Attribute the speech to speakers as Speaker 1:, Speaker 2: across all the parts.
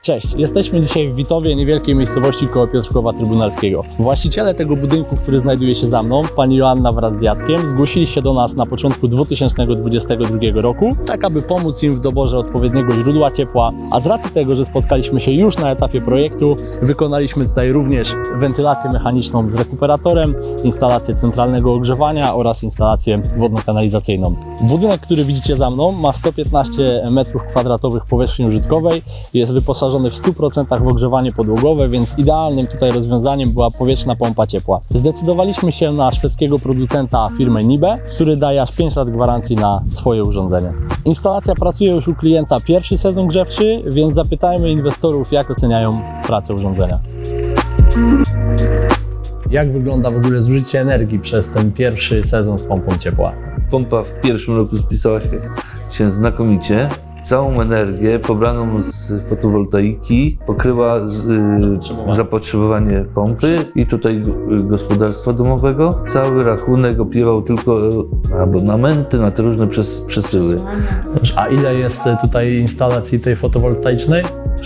Speaker 1: Cześć, jesteśmy dzisiaj w Witowie, niewielkiej miejscowości koło Piotrkowa Trybunalskiego. Właściciele tego budynku, który znajduje się za mną, pani Joanna wraz z Jackiem, zgłosili się do nas na początku 2022 roku, tak aby pomóc im w doborze odpowiedniego źródła ciepła, a z racji tego, że spotkaliśmy się już na etapie projektu, wykonaliśmy tutaj również wentylację mechaniczną z rekuperatorem, instalację centralnego ogrzewania oraz instalację wodno-kanalizacyjną. Budynek, który widzicie za mną, ma 115 m2 powierzchni użytkowej, jest wyposażony w 100% w ogrzewanie podłogowe, więc idealnym tutaj rozwiązaniem była powietrzna pompa ciepła. Zdecydowaliśmy się na szwedzkiego producenta firmy Nibe, który daje aż 5 lat gwarancji na swoje urządzenie. Instalacja pracuje już u klienta pierwszy sezon grzewczy, więc zapytajmy inwestorów, jak oceniają pracę urządzenia. Jak wygląda w ogóle zużycie energii przez ten pierwszy sezon z pompą ciepła?
Speaker 2: Pompa w pierwszym roku spisała się znakomicie. Całą energię pobraną z fotowoltaiki pokryła zapotrzebowanie pompy i tutaj gospodarstwa domowego. Cały rachunek opiewał tylko abonamenty na te różne przesyły.
Speaker 1: A ile jest tutaj instalacji tej fotowoltaicznej?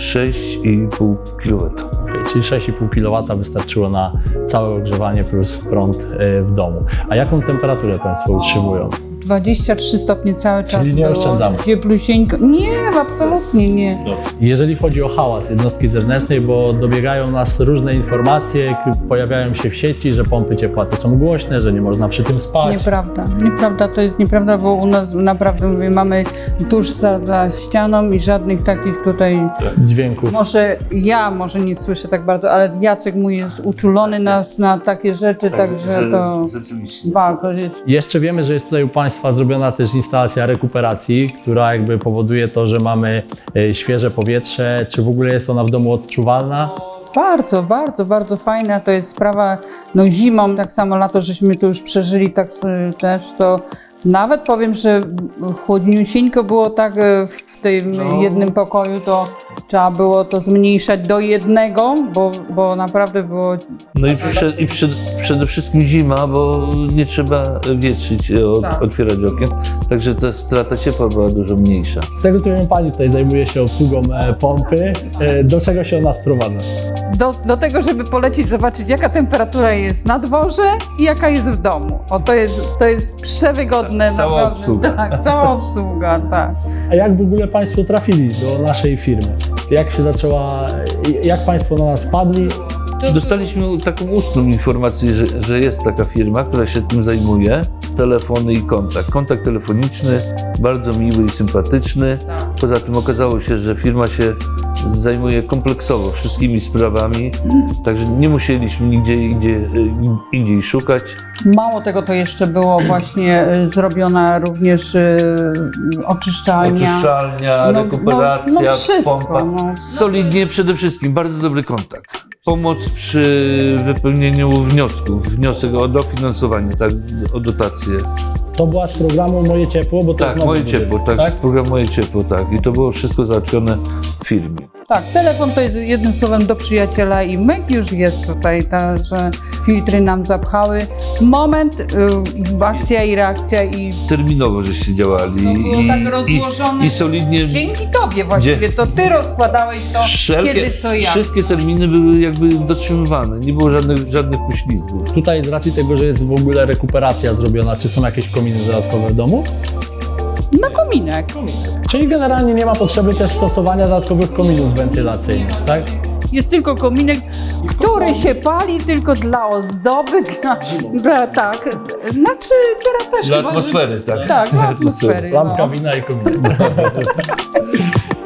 Speaker 2: 6,5 kW.
Speaker 1: Czyli 6,5 kW wystarczyło na całe ogrzewanie plus prąd w domu. A jaką temperaturę Państwo utrzymują?
Speaker 3: 23 stopnie cały czas
Speaker 1: Czyli nie
Speaker 3: było,
Speaker 1: oszczędzamy.
Speaker 3: Cieplusieńko. Nie, absolutnie nie.
Speaker 1: Jeżeli chodzi o hałas jednostki zewnętrznej, bo dobiegają nas różne informacje, pojawiają się w sieci, że pompy ciepła to są głośne, że nie można przy tym spać.
Speaker 3: Nieprawda, to jest nieprawda, bo u nas naprawdę mówię, mamy tuż za ścianą i żadnych takich tutaj
Speaker 1: Dźwięków.
Speaker 3: Może nie słyszę tak bardzo, ale Jacek mój jest uczulony na takie rzeczy, także to
Speaker 2: rzeczywiście.
Speaker 3: bardzo jest.
Speaker 1: Jeszcze wiemy, że jest tutaj u Państwa zrobiona też instalacja rekuperacji, która jakby powoduje to, że mamy świeże powietrze. Czy w ogóle jest ona w domu odczuwalna?
Speaker 3: Bardzo, bardzo, bardzo fajna to jest sprawa, no zimą, tak samo lato, żeśmy to już przeżyli, tak też to nawet powiem, że chłodniusieńko było tak w tym jednym pokoju, to trzeba było to zmniejszać do jednego, bo naprawdę było...
Speaker 2: No i przede wszystkim zima, bo nie trzeba wietrzyć, otwierać okien, także ta strata ciepła była dużo mniejsza.
Speaker 1: Z tego co wiem, Pani tutaj zajmuje się obsługą pompy. Do czego się ona sprowadza?
Speaker 3: Do tego, żeby polecieć, zobaczyć jaka temperatura jest na dworze i jaka jest w domu. O, to jest przewygodne.
Speaker 2: Cała
Speaker 3: naprawdę.
Speaker 2: obsługa.
Speaker 3: Tak, cała obsługa, tak.
Speaker 1: A jak w ogóle Państwo trafili do naszej firmy? Jak się zaczęła, jak Państwo na nas wpadli?
Speaker 2: Dostaliśmy taką ustną informację, że jest taka firma, która się tym zajmuje. Telefony i kontakt. Kontakt telefoniczny, bardzo miły i sympatyczny. Poza tym okazało się, że firma się zajmuje kompleksowo wszystkimi sprawami, także nie musieliśmy nigdzie indziej szukać.
Speaker 3: Mało tego, to jeszcze było właśnie zrobiona również oczyszczalnia.
Speaker 2: Rekuperacja,
Speaker 3: wszystko,
Speaker 2: pompa. Solidnie przede wszystkim, bardzo dobry kontakt. Pomoc przy wypełnieniu wniosków, wniosek o dofinansowanie, tak, o dotację.
Speaker 1: To była z programu Moje Ciepło, bo to jest
Speaker 2: Tak,
Speaker 1: nowy
Speaker 2: Moje
Speaker 1: budynek,
Speaker 2: Ciepło, tak, z programu Moje Ciepło, tak. I to było wszystko załatwione w firmie.
Speaker 3: Tak, telefon to jest jednym słowem do przyjaciela i myk już jest tutaj, że filtry nam zapchały. Moment, akcja i reakcja i...
Speaker 2: Terminowo żeście działali
Speaker 3: było tak rozłożone.
Speaker 2: i solidnie.
Speaker 3: Dzięki Tobie właściwie, to Ty rozkładałeś to kiedy co ja.
Speaker 2: Wszystkie terminy były jakby dotrzymywane, nie było żadnych poślizgów.
Speaker 1: Tutaj z racji tego, że jest w ogóle rekuperacja zrobiona, czy są jakieś kominy dodatkowe w domu?
Speaker 3: Na kominek.
Speaker 1: Czyli generalnie nie ma potrzeby też stosowania dodatkowych kominów wentylacyjnych, tak?
Speaker 3: Jest tylko kominek, który się pali tylko dla ozdoby, tak, znaczy teraz też
Speaker 2: Dla
Speaker 3: chyba,
Speaker 2: atmosfery, tak.
Speaker 3: Tak, dla atmosfery.
Speaker 1: Lampka
Speaker 3: no.
Speaker 1: wina i kominek.